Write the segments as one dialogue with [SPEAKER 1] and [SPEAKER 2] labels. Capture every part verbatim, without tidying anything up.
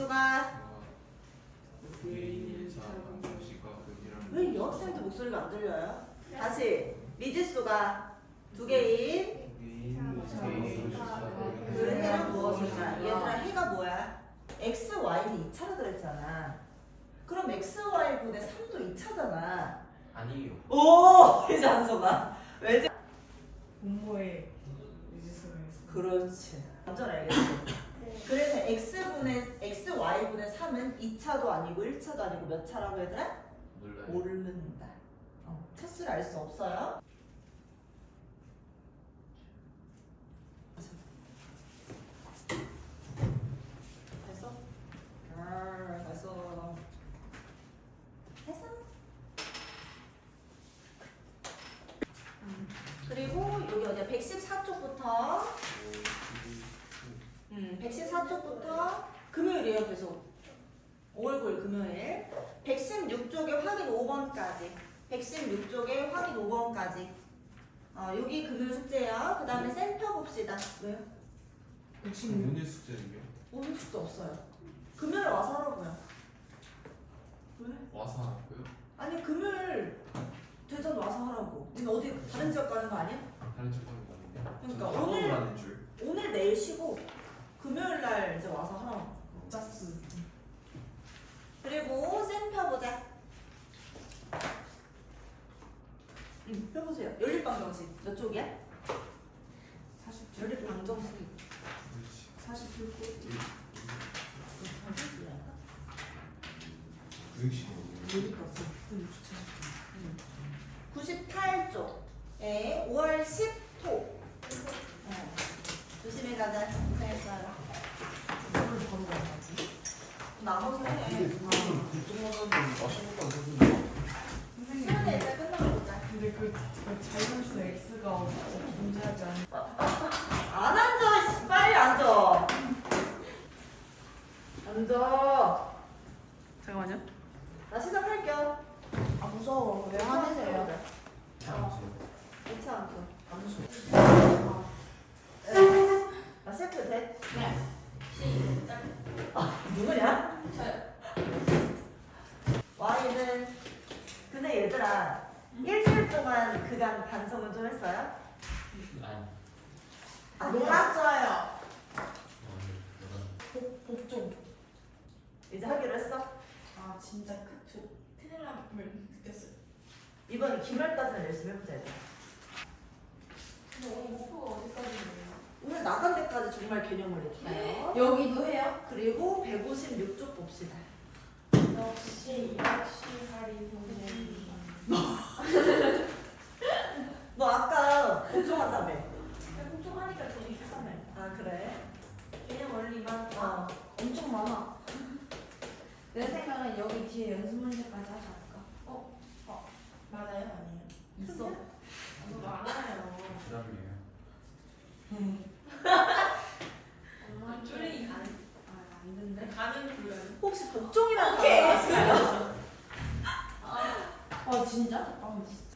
[SPEAKER 1] 미지수가 왜 여학생들 목소리가 안 들려요? 다시 미지수가 두 개인 그 해는 무엇일까? 얘들아 해가 뭐야? x, y는 이 차로 들어있잖아. 그럼 x, y분의 삼도 이 차잖아.
[SPEAKER 2] 아니요.
[SPEAKER 1] 오! 이제 안 써봐. 왜지?
[SPEAKER 3] 공모에 미지수가 있어.
[SPEAKER 1] 그렇지. 완전 알겠어. 그래서 x분의 x, y분의 삼은 이 차도 아니고 일 차도 아니고 몇 차라고 얘들아?
[SPEAKER 2] 몰라요.
[SPEAKER 1] 모른다. 어, 차수를 알 수 없어요. 됐어? 아, 됐어. 됐어? 음. 그리고 여기 어디야? 백십사 쪽부터 음, 백십사 쪽부터 금요일이에요, 계속. 오월 구일 금요일. 백십육 쪽에 확인 오 번까지. 백십육 쪽에 확인 오 번까지. 어, 여기 금요일 숙제예요. 그 다음에 센터 봅시다. 왜요?
[SPEAKER 4] 오늘 숙제는요?
[SPEAKER 1] 오늘 숙제 없어요. 금요일 와서 하라고요. 왜?
[SPEAKER 4] 와서 하고요?
[SPEAKER 1] 아니, 금요일 대전 와서 하라고. 니는 어디 다른 지역 가는 거 아니야?
[SPEAKER 4] 다른 쪽 하는 거 아닌데?
[SPEAKER 1] 그러니까
[SPEAKER 4] 저는
[SPEAKER 1] 오늘-
[SPEAKER 4] 학원을 하는 줄.
[SPEAKER 1] 오늘 내일 쉬고 금요일 날 이제 와서 하라고.
[SPEAKER 3] 짜스.
[SPEAKER 1] 그리고 쌤 펴보자. 응, 펴보세요. 연립방정식 몇 쪽이야?
[SPEAKER 3] 사십
[SPEAKER 1] 연립방정식
[SPEAKER 4] 그렇지.
[SPEAKER 3] 사십칠 코.
[SPEAKER 4] 구육십오.
[SPEAKER 1] 구십팔 쪽에 오월 십 토. 어. 조심히 가자. 고생했어요.
[SPEAKER 3] 이걸 바로 가야지.
[SPEAKER 1] 나머지 해.
[SPEAKER 4] 그쪽마다는 맛있는 거안 사주는
[SPEAKER 3] 선생님.
[SPEAKER 1] 시간에 일단 끝나고 보자.
[SPEAKER 3] 근데 그, 그 자연수 x가 어- 어- 존재하지 않는.
[SPEAKER 1] 안 앉아. 씨, 빨리 앉아. 앉아.
[SPEAKER 3] 잠깐만요.
[SPEAKER 1] 나 시작할게요.
[SPEAKER 3] 아 무서워. 왜 화내세요?
[SPEAKER 4] 장수.
[SPEAKER 1] 괜찮아.
[SPEAKER 4] 함수.
[SPEAKER 1] 나 시작해도 돼?
[SPEAKER 3] 네.
[SPEAKER 1] 시작. 아, 누구냐?
[SPEAKER 3] 저요.
[SPEAKER 1] Y는 근데 얘들아 일주일 동안 그간 반성은 좀 했어요?
[SPEAKER 2] 아니.
[SPEAKER 1] 아, 놀았어요.
[SPEAKER 3] 복 복종.
[SPEAKER 1] 이제 하기로 했어?
[SPEAKER 3] 아 진짜 그, 저 큰일 남을 느꼈어요.
[SPEAKER 1] 이번 기말까지는 열심히 해보자. 얘들아.
[SPEAKER 3] 근데 오늘 목표가 어디까지예요?
[SPEAKER 1] 오늘 나간 데까지 정말 개념을 익혀요.
[SPEAKER 3] 여기도 해요?
[SPEAKER 1] 그리고 백오십육 쪽 봅시다.
[SPEAKER 3] 역시 역시 하리 선생님.
[SPEAKER 1] 너 아까 걱정한다며.
[SPEAKER 3] 복종하니까 되게 편하네.
[SPEAKER 1] 아 그래?
[SPEAKER 3] 개념 원리만
[SPEAKER 1] 어.
[SPEAKER 3] 엄청 많아. 내 생각은 여기 뒤에 연습 문제까지 하지 않을까? 어? 어? 맞아요? 아니에요? 있어. 아, 많아요.
[SPEAKER 2] 부담이에요.
[SPEAKER 3] 엄마 줄이 안, 아, 안 된대? 가는 불가능.
[SPEAKER 1] 혹시 복종이라는 거 아세요?
[SPEAKER 3] 아, 진짜? 아, 진짜.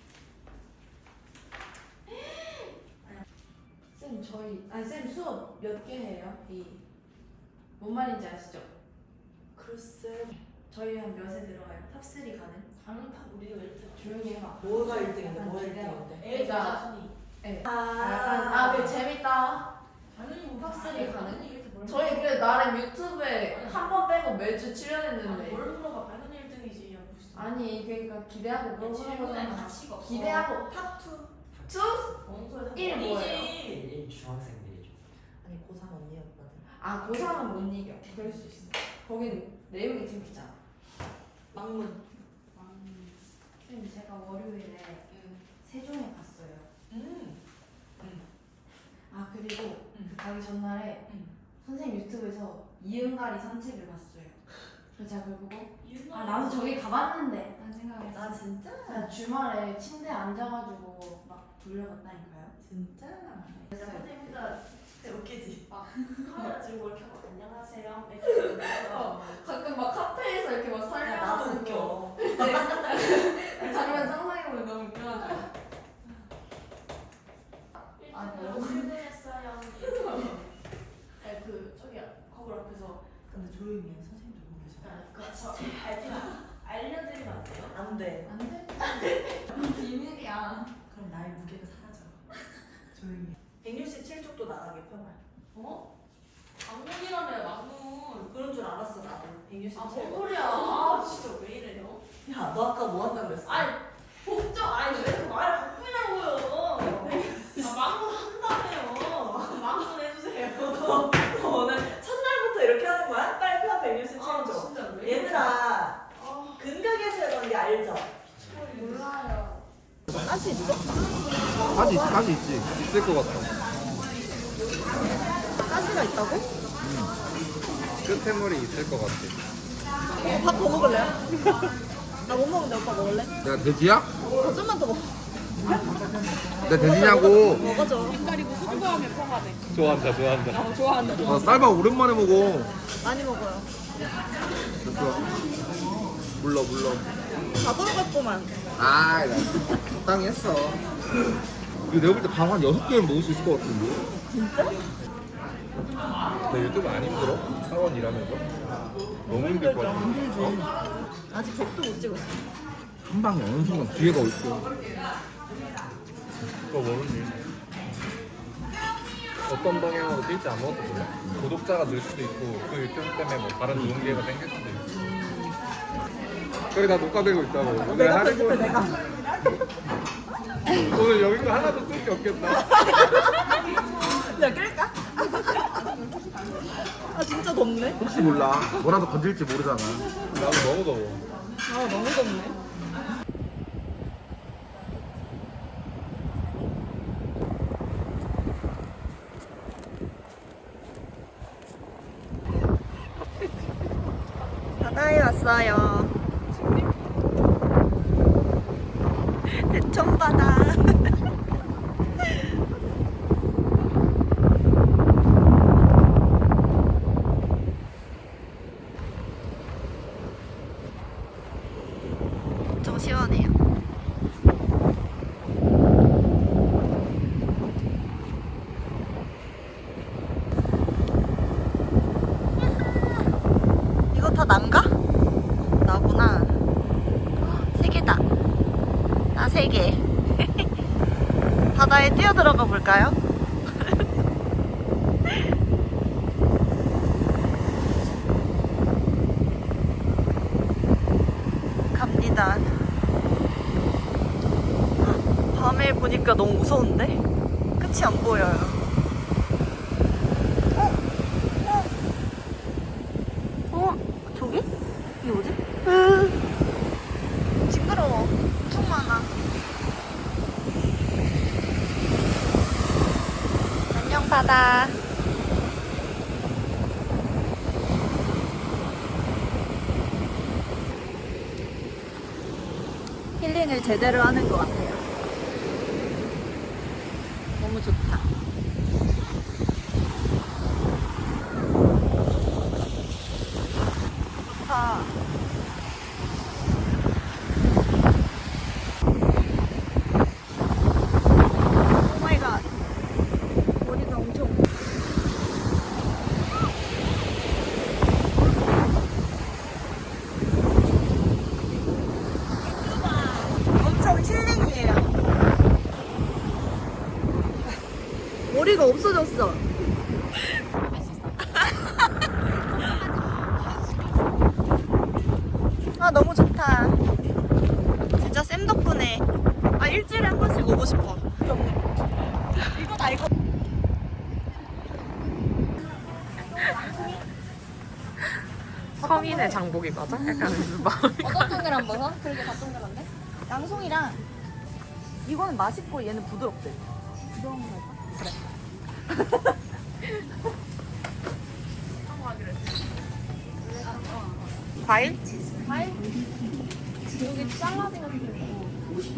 [SPEAKER 3] 쌤, 저희, 아니, 쌤 수업 몇 개 해요? 이. 뭔 말인지 아시죠?
[SPEAKER 1] 글쎄.
[SPEAKER 3] 저희 한 몇에 들어가요? 탑삼 가는? 가는 탑, 우리가 왜 이렇게 조용히 해봐.
[SPEAKER 1] 뭐가 일 등인데 뭐가 일
[SPEAKER 3] 기대하고.
[SPEAKER 1] 등인데?
[SPEAKER 3] 그러니까, 네.
[SPEAKER 1] 아,
[SPEAKER 3] 아, 그 재밌다.
[SPEAKER 5] 당연히
[SPEAKER 3] 탑삼 가는?
[SPEAKER 5] 이렇게 뭘
[SPEAKER 3] 저희 그래 나름 유튜브에 한 번 빼고 매주 출연했는데.
[SPEAKER 5] 뭘 물어봐 당연히 일 등이지 무슨
[SPEAKER 3] 아니, 그러니까 기대하고 물어보는
[SPEAKER 5] 질문에
[SPEAKER 3] 거잖아.
[SPEAKER 5] 가치가 없어
[SPEAKER 3] 기대하고
[SPEAKER 1] 탑투.
[SPEAKER 3] 투?
[SPEAKER 5] 뭔 소리야
[SPEAKER 3] 일 뭐예요?
[SPEAKER 2] 일 중학생들이죠.
[SPEAKER 1] 아니 고삼 언니였거든.
[SPEAKER 3] 아, 고삼은 못 이겨. 그럴 수 있어. 거긴 내용이 재밌잖아.
[SPEAKER 1] 막문.
[SPEAKER 3] 쌤, 제가 월요일에 세종에 갔어요.
[SPEAKER 1] 음.
[SPEAKER 3] 아, 그리고
[SPEAKER 1] 음.
[SPEAKER 3] 그 가기 전날에
[SPEAKER 1] 음.
[SPEAKER 3] 선생님 유튜브에서 이응가리 산책을 봤어요. 그래서 제가 그걸 보고
[SPEAKER 5] 유나
[SPEAKER 3] 아, 나도 저기 가봤는데 라는 생각을
[SPEAKER 1] 나
[SPEAKER 3] 했어요.
[SPEAKER 1] 진짜?
[SPEAKER 3] 제가 주말에 침대에 앉아가지고 막 돌려봤다니까요.
[SPEAKER 1] 진짜?
[SPEAKER 5] 진짜 선생님 혼자
[SPEAKER 1] 웃기지?
[SPEAKER 5] 막 카메라 들고 이렇게 하고 안녕하세요 이렇게
[SPEAKER 3] 어, 가끔 막 카페에서 이렇게 막
[SPEAKER 1] 야, 나도
[SPEAKER 3] 설명하는 거.
[SPEAKER 1] 웃겨.
[SPEAKER 3] 그 장면 상상해보면 너무 웃겨가지고. 아,
[SPEAKER 5] 일 등으로
[SPEAKER 3] 뭐.
[SPEAKER 5] 출근했어요 네, 그 저기 거울 앞에서
[SPEAKER 1] 근데 조용히 보이면 선생님 보고 계셔.
[SPEAKER 5] 그거 발표 알려드리면 안 돼요?
[SPEAKER 1] 안 돼.
[SPEAKER 3] 안 돼. 비밀이야.
[SPEAKER 1] 그럼 나의 무게가 사라져. 조용히 해. 백육십칠 쪽도 나가게 펴봐.
[SPEAKER 5] 어? 막문이라며 막문.
[SPEAKER 1] 그런 줄 알았어 나도. 백육십칠.
[SPEAKER 5] 아, 뭔 소리야. 아, 진짜 왜 이래요?
[SPEAKER 1] 야, 너 아까 뭐 한다 그랬어?
[SPEAKER 5] 아니, 복종, 아니, 왜 이렇게 말을 바꾸냐고요. 아, 막문 한다며요. 막문 해주세요.
[SPEAKER 1] 너 오늘 첫날부터 이렇게 하는 거야? 빨리 펴 백육십칠
[SPEAKER 5] 아,
[SPEAKER 1] 쪽.
[SPEAKER 5] 진짜 왜 이래.
[SPEAKER 1] 얘들아,
[SPEAKER 5] 아,
[SPEAKER 1] 근벽에서 이런 게 알죠?
[SPEAKER 3] 몰라요.
[SPEAKER 1] 할 수 있어?
[SPEAKER 4] 가지 가지 있지. 있을 것 같아.
[SPEAKER 1] 가시가 있다고?
[SPEAKER 4] 끝에물이 있을 것 같아.
[SPEAKER 1] 어, 밥 더 먹을래요? 나 못 먹는데 오빠 먹을래?
[SPEAKER 4] 내가 돼지야?
[SPEAKER 1] 어, 좀만 더 먹어.
[SPEAKER 4] 내가 돼지냐고.
[SPEAKER 1] 먹어줘.
[SPEAKER 4] 좋아한다 좋아한다. 아, 쌀밥 오랜만에 먹어.
[SPEAKER 1] 많이 먹어요.
[SPEAKER 4] 됐어. 물러 물러.
[SPEAKER 1] 다 돌아갔구만.
[SPEAKER 4] 아, 나 적당히 했어. 이거 내가 볼 때 방 한 여섯 개는 먹을 수 있을 것 같은데.
[SPEAKER 1] 진짜?
[SPEAKER 4] 나 유튜브 안 힘들어? 사원 일하면서? 너무 힘들 것 같아.
[SPEAKER 1] 힘들지. 아직 백도 못 찍었어.
[SPEAKER 4] 한 방에 어느 순간 기회가 올 거야. 그거 모르지. 어떤 방향으로 뛸지 아무것도 몰라. 구독자가 늘 수도 있고 그 유튜브 때문에 뭐 다른 좋은 기회가 생길 수도 있고. 그래 나 녹화되고 있다고. 오늘
[SPEAKER 1] 내가
[SPEAKER 4] 하는
[SPEAKER 1] 편집해
[SPEAKER 4] 거
[SPEAKER 1] 내가.
[SPEAKER 4] 오늘 여기 거 하나도 쓸 게 없겠다.
[SPEAKER 1] 야 끌까? 아 진짜 덥네.
[SPEAKER 4] 혹시 몰라. 뭐라도 건질지 모르잖아. 나도 너무 더워.
[SPEAKER 1] 아 너무 덥네. 바다에 왔어요. 대천바다. 좀 시원해요. 이거 다 난가? 나구나. 세 개다. 나 세 개. 바다에 뛰어들어가 볼까요? 갑니다. 밤에 보니까 너무 무서운데? 끝이 안 보여요. 어? 어? 어? 저기? 이게 뭐지? 으, 징그러워. 엄청 많아. 안녕 바다. 힐링을 제대로 하는 것 같아요. 너무 좋다. 좋다. 오 마이 갓. 머리가 엄청. 엄청 힐링이에요. 머리가 없어졌어. 아 너무 좋다. 진짜 쌤 덕분에 아 일주일에 한 번씩 오고 싶어. 이거다 이거.
[SPEAKER 6] 성인의 장복이 맞아? 약간 마음이
[SPEAKER 3] 어떤 동그란 버섯? 그러게 다 동그란데?
[SPEAKER 1] 양송이랑 이거는 맛있고 얘는 부드럽대. 부드러운 거 할까? 그래.
[SPEAKER 6] 과일?
[SPEAKER 3] 과일? 여기 샐러드 같은 거 있고.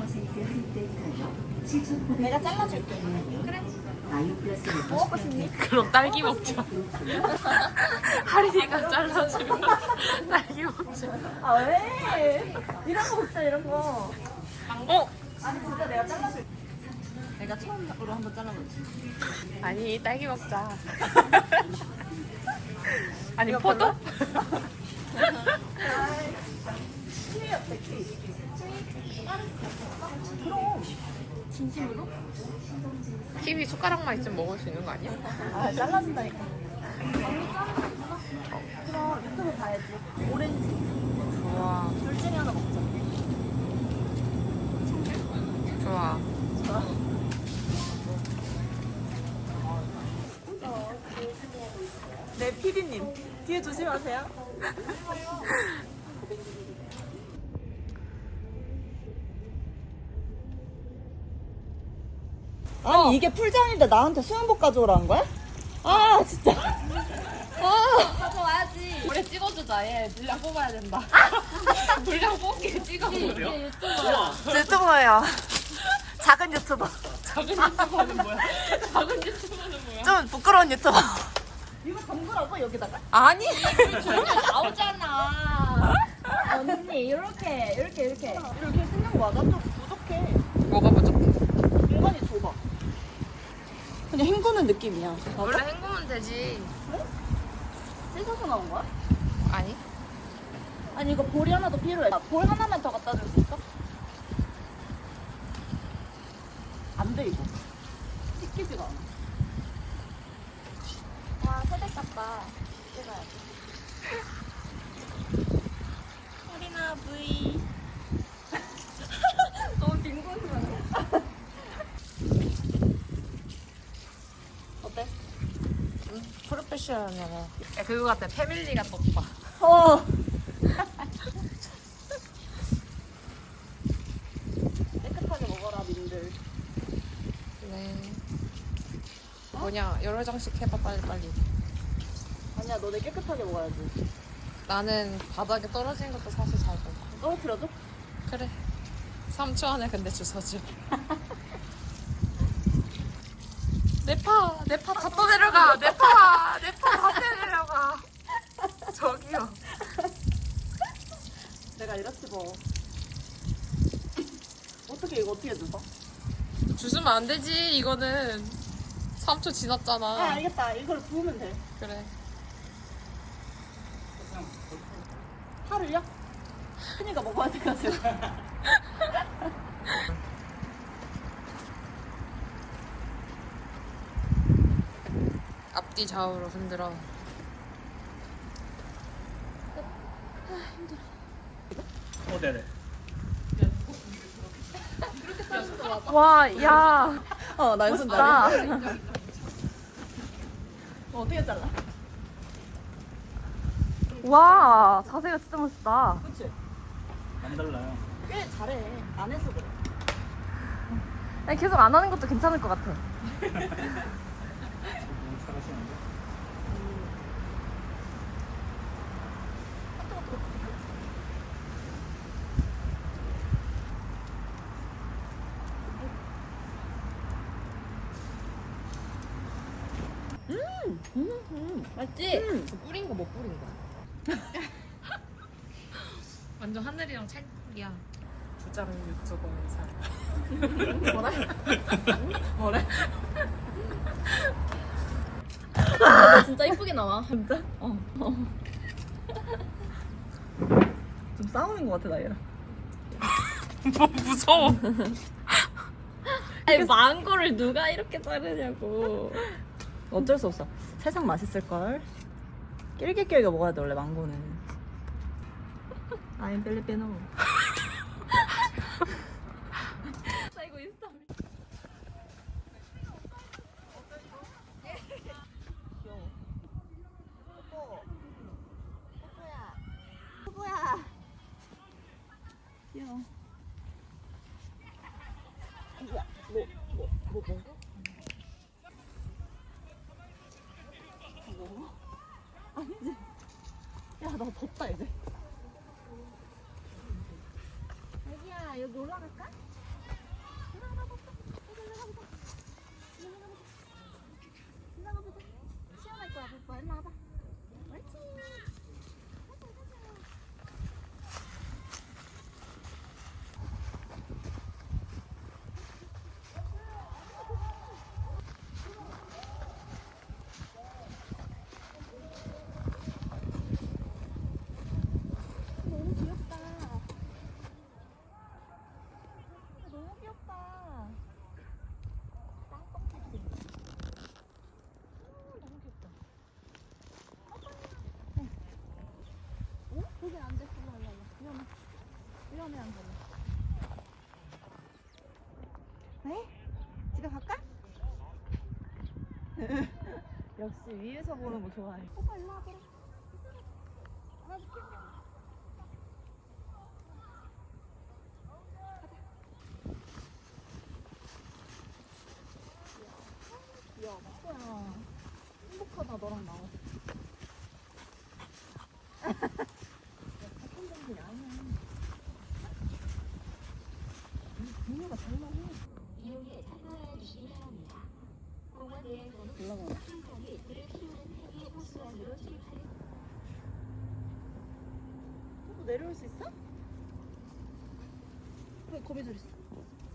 [SPEAKER 1] 내가 잘라줄게.
[SPEAKER 3] 먹고 싶니?
[SPEAKER 6] 그럼 딸기 먹자. 하린이가 잘라주고 딸기 먹자.
[SPEAKER 1] 아 왜? 이런 거 먹자 이런 거.
[SPEAKER 6] 어?
[SPEAKER 1] 아니 진짜 내가 잘라줄게. 내가 처음으로 한번 잘라볼게.
[SPEAKER 6] 아니 딸기 먹자. 아니 포도?
[SPEAKER 3] 진심으로?
[SPEAKER 6] 키위 숟가락만 있으면 먹을 수 있는 거 아니야?
[SPEAKER 1] 아 잘라준다니까. 그럼 유튜브 봐야지. 오렌지.
[SPEAKER 6] 좋아.
[SPEAKER 1] 둘 중에 하나 먹자.
[SPEAKER 6] 좋아.
[SPEAKER 1] 네 피디님 뒤에 조심하세요. 아니 이게 풀장인데 나한테 수영복 가져오라는 거야? 아 진짜.
[SPEAKER 3] 가져와야지.
[SPEAKER 6] 우리 찍어주자. 얘 분량 뽑아야 된다. 분량 뽑기 찍어보려.
[SPEAKER 3] 이게 유튜브야.
[SPEAKER 1] 유튜버예요. 작은 유튜버.
[SPEAKER 6] 작은 유튜버는 뭐야? 작은 유튜버는 뭐야?
[SPEAKER 1] 좀 부끄러운 유튜버. 이거 담그라고 여기다가?
[SPEAKER 6] 아니.
[SPEAKER 3] 나오잖아. 언니 이렇게 이렇게 이렇게.
[SPEAKER 1] 이렇게 생긴 거 맞아? 좀 부족해.
[SPEAKER 6] 뭐가 부족해?
[SPEAKER 1] 공간이 좁아. 그냥 헹구는 느낌이야.
[SPEAKER 6] 원래 헹구면 되지.
[SPEAKER 1] 씻어서 나온 거야?
[SPEAKER 6] 아니.
[SPEAKER 1] 아니 이거 볼이 하나 더 필요해. 볼 하나만 더 갖다 줄 수 있어? 안 돼 이거. 씻기지가 않아.
[SPEAKER 3] 와 세대 같다. 찍어야지.
[SPEAKER 6] 허리나 부이.
[SPEAKER 3] 너무 빈곤이네.
[SPEAKER 1] 어때?
[SPEAKER 6] 프로페셔널해. 야, 그거 같아. 패밀리가 떴다.
[SPEAKER 1] 어. 깨끗하게 먹어라 민들.
[SPEAKER 6] 네. 뭐냐, 여러 장씩 해봐, 빨리, 빨리.
[SPEAKER 1] 아니야 너네 깨끗하게 먹어야지.
[SPEAKER 6] 나는 바닥에 떨어지는 것도 사실 잘 먹어.
[SPEAKER 1] 떨어뜨려줘?
[SPEAKER 6] 그래. 삼 초 안에 근데 주워줘. 내 파, 내 파 다 떠내려가. 내 파, 내 파 다 떠내려가. 저기요.
[SPEAKER 1] 내가 이렇지 뭐. 어떻게 이거 어떻게 주워?
[SPEAKER 6] 주스면 안 되지, 이거는. 삼 초
[SPEAKER 1] 아
[SPEAKER 6] 지났잖아.
[SPEAKER 1] 알겠다. 이걸 부으면 돼.
[SPEAKER 6] 그래.
[SPEAKER 1] 파를요? 큰이가 먹어야 돼가지고.
[SPEAKER 6] 앞뒤 좌우로 흔들어.
[SPEAKER 7] 어, 네네.
[SPEAKER 6] 와, 야.
[SPEAKER 1] 어, 날순 다리. 어, 어떻게 잘라?
[SPEAKER 6] 와, 자세가 진짜 멋있다.
[SPEAKER 1] 그치?
[SPEAKER 7] 안 달라요.
[SPEAKER 1] 꽤 잘해. 안 해서 그래.
[SPEAKER 6] 아니, 계속 안 하는 것도 괜찮을 것 같아.
[SPEAKER 7] 너무 잘하시는데.
[SPEAKER 3] 맞지?
[SPEAKER 6] 뿌린 거 못 뿌린 거야. 완전 하늘이랑 찰떡이야. 부장 유튜버의 삶.
[SPEAKER 1] 뭐라? 뭐래?
[SPEAKER 3] 진짜 이쁘게 나와.
[SPEAKER 1] 진짜? 어. 어. 좀 싸우는 것 같아, 나이랑.
[SPEAKER 6] 뭐 무서워.
[SPEAKER 3] 아니 망고를 누가 이렇게 자르냐고.
[SPEAKER 1] 어쩔 수 없어. 세상 맛있을걸? 낄기낄기 먹어야 돼, 원래 망고는. 아임 필리핀어.
[SPEAKER 3] 나 이거 인스타.
[SPEAKER 1] 귀여워. 뽀뽀. 뽀뽀야. 뽀뽀야. 귀여워. 야, 뭐, 뭐, 뭐 먹어? 먹어? 아니지. 야, 나 덥다, 이제.
[SPEAKER 3] 자기야 여기 올라갈까? 올라가보자. 여기 올라가보자. 여기 올라가보자. 올라가보자. 시원할 거야, 뽀뽀. 일로 와봐. 옳지. 가자, 가자.
[SPEAKER 6] 위험해 안 돼. 일로 와, 일로 와. 위험해. 위험해 안 돼.
[SPEAKER 1] 네? 집에 갈까? 역시 위에서 보는 거 좋아해.
[SPEAKER 6] 오빠 일로 와봐라. 안아줄게.
[SPEAKER 1] 귀여워. 뭐야. 행복하다 너랑 나와서. 착한 정신이 아니야. 분유가 잘 나와.
[SPEAKER 8] 이용에 참고해 주시기 바랍니다. 공원 내에서는
[SPEAKER 1] 올라가.
[SPEAKER 8] 항상이 불을 피우는 행위 호수안으로 출입하는
[SPEAKER 1] 또 내려올 수 있어? 왜 거미줄 있어?